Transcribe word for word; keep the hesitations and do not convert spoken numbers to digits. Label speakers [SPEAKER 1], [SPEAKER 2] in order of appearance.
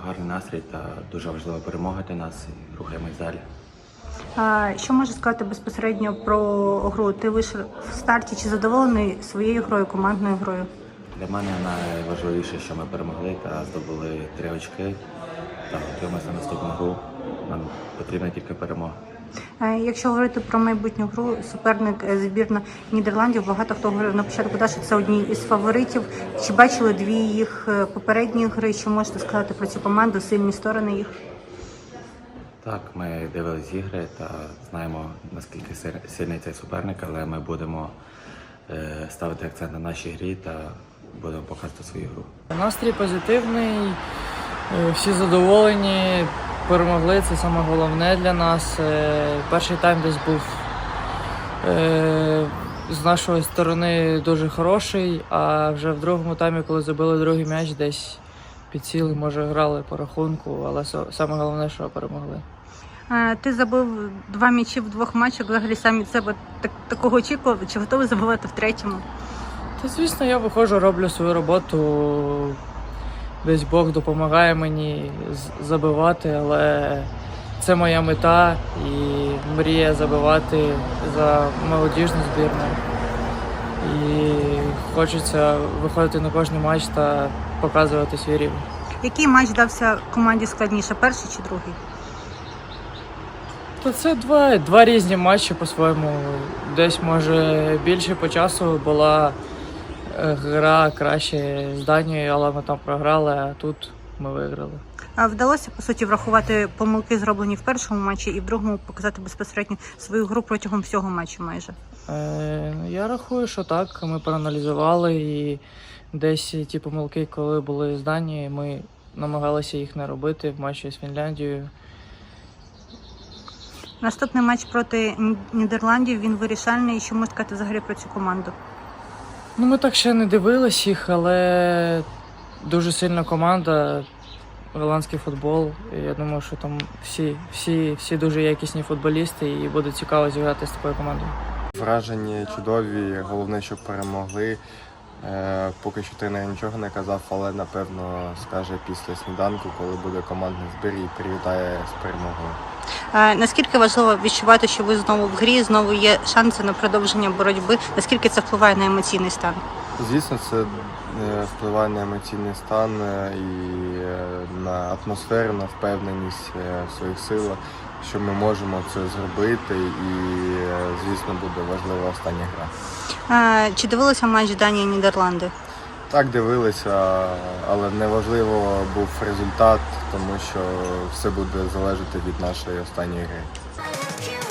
[SPEAKER 1] гарний настрій та дуже важлива перемога для нас і рухаємось далі.
[SPEAKER 2] А, що можеш сказати безпосередньо про гру? Ти вийшов в старті, чи задоволений своєю грою, командною грою?
[SPEAKER 1] Для мене найважливіше, що ми перемогли та здобули три очки та готуємося на наступну гру. Нам потрібна тільки перемога.
[SPEAKER 2] Якщо говорити про майбутню гру, суперник збірна Нідерландів, багато хто говорив на початку, що це одні із фаворитів. Чи бачили дві їх попередні гри? Що можете сказати про цю команду, сильні сторони їх?
[SPEAKER 1] Так, ми дивились ігри та знаємо, наскільки сильний цей суперник, але ми будемо ставити акцент на нашій грі та будемо показувати свою гру.
[SPEAKER 3] Настрій позитивний, всі задоволені. Перемогли, це саме головне для нас. Перший тайм десь був з нашої сторони дуже хороший, а вже в другому таймі, коли забили другий м'яч, десь підсіли, може грали по рахунку, але саме головне, що перемогли.
[SPEAKER 2] Ти забив два м'ячі в двох матчах, взагалі сам від себе так, такого очікував, чи готовий забивати в третьому?
[SPEAKER 3] Та, звісно, я виходжу, роблю свою роботу. Десь Бог допомагає мені забивати, але це моя мета і мрія забивати за молодіжну збірну. І хочеться виходити на кожний матч та показувати свій рівень.
[SPEAKER 2] Який матч дався команді складніше, перший чи другий?
[SPEAKER 3] То це два, два різні матчі по-своєму. Десь, може, більше по часу була гра краще з Данією, але ми там програли, а тут ми виграли.
[SPEAKER 2] А вдалося, по суті, врахувати помилки, зроблені в першому матчі, і в другому показати безпосередньо свою гру протягом всього матчу майже?
[SPEAKER 3] Е, я рахую, що так. Ми проаналізували і десь ті помилки, коли були з Данією, ми намагалися їх не робити в матчі з Фінляндією.
[SPEAKER 2] Наступний матч проти Нідерландів, він вирішальний. Що можна сказати взагалі про цю команду?
[SPEAKER 3] Ну, ми так ще не дивились їх, але дуже сильна команда, голландський футбол. І я думаю, що там всі, всі, всі дуже якісні футболісти і буде цікаво зіграти з такою командою.
[SPEAKER 4] Враження чудові, головне, щоб перемогли. Е, поки що тренер нічого не казав, але напевно скаже після сніданку, коли буде командний збір і привітає з перемогою.
[SPEAKER 2] А наскільки важливо відчувати, що ви знову в грі, знову є шанси на продовження боротьби? Наскільки це впливає на емоційний стан?
[SPEAKER 4] Звісно, це впливає на емоційний стан і на атмосферу, на впевненість в своїх силах, що ми можемо це зробити, і, звісно, буде важлива остання гра.
[SPEAKER 2] А, чи дивилися матч Данії-Нідерланди?
[SPEAKER 4] Так, дивилися, але неважливо був результат, тому що все буде залежати від нашої останньої гри.